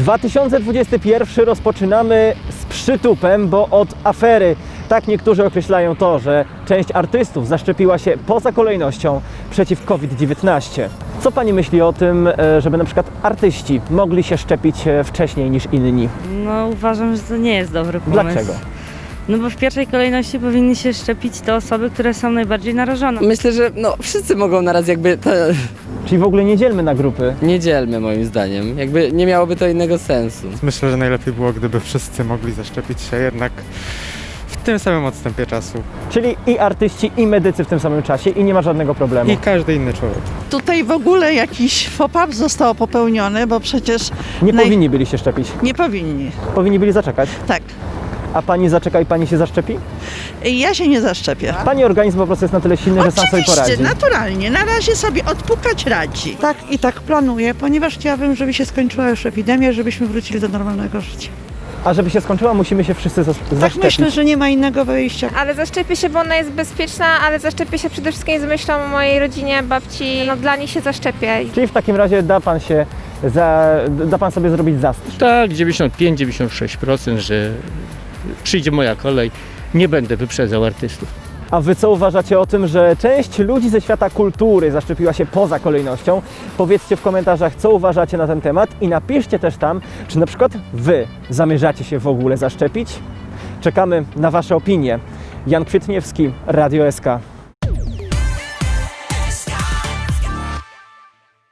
2021 rozpoczynamy z przytupem, bo od afery. Tak niektórzy określają to, że część artystów zaszczepiła się poza kolejnością przeciw COVID-19. Co Pani myśli o tym, żeby na przykład artyści mogli się szczepić wcześniej niż inni? No uważam, że to nie jest dobry pomysł. Dlaczego? No bo w pierwszej kolejności powinny się szczepić te osoby, które są najbardziej narażone. Myślę, że wszyscy mogą naraz Czyli w ogóle nie dzielmy na grupy. nie dzielmy moim zdaniem. Jakby nie miałoby to innego sensu. Myślę, że najlepiej było, gdyby wszyscy mogli zaszczepić się jednak w tym samym odstępie czasu. Czyli i artyści, i medycy w tym samym czasie i nie ma żadnego problemu. I każdy inny człowiek. Tutaj w ogóle jakiś faux pas został popełniony, bo przecież Nie powinni byli się szczepić. nie powinni. Powinni byli zaczekać. Tak. A Pani zaczeka i Pani się zaszczepi? Ja się nie zaszczepię. Pani organizm po prostu jest na tyle silny, że sam sobie poradzi. Oczywiście, naturalnie. Na razie sobie odpukać radzi. Tak i tak planuję, ponieważ chciałabym, żeby się skończyła już epidemia, żebyśmy wrócili do normalnego życia. A żeby się skończyła, musimy się wszyscy Tak zaszczepić. myślę, że nie ma innego wyjścia. Ale zaszczepię się, bo ona jest bezpieczna, ale zaszczepię się przede wszystkim z myślą o mojej rodzinie, babci. No dla nich się zaszczepię. Czyli w takim razie da Pan sobie zrobić zastrz. Tak, 95-96%, że przyjdzie moja kolej, nie będę wyprzedzał artystów. A Wy co uważacie o tym, że część ludzi ze świata kultury zaszczepiła się poza kolejnością? Powiedzcie w komentarzach, co uważacie na ten temat i napiszcie też tam, czy na przykład Wy zamierzacie się w ogóle zaszczepić? Czekamy na Wasze opinie. Jan Kwietniewski, Radio SK.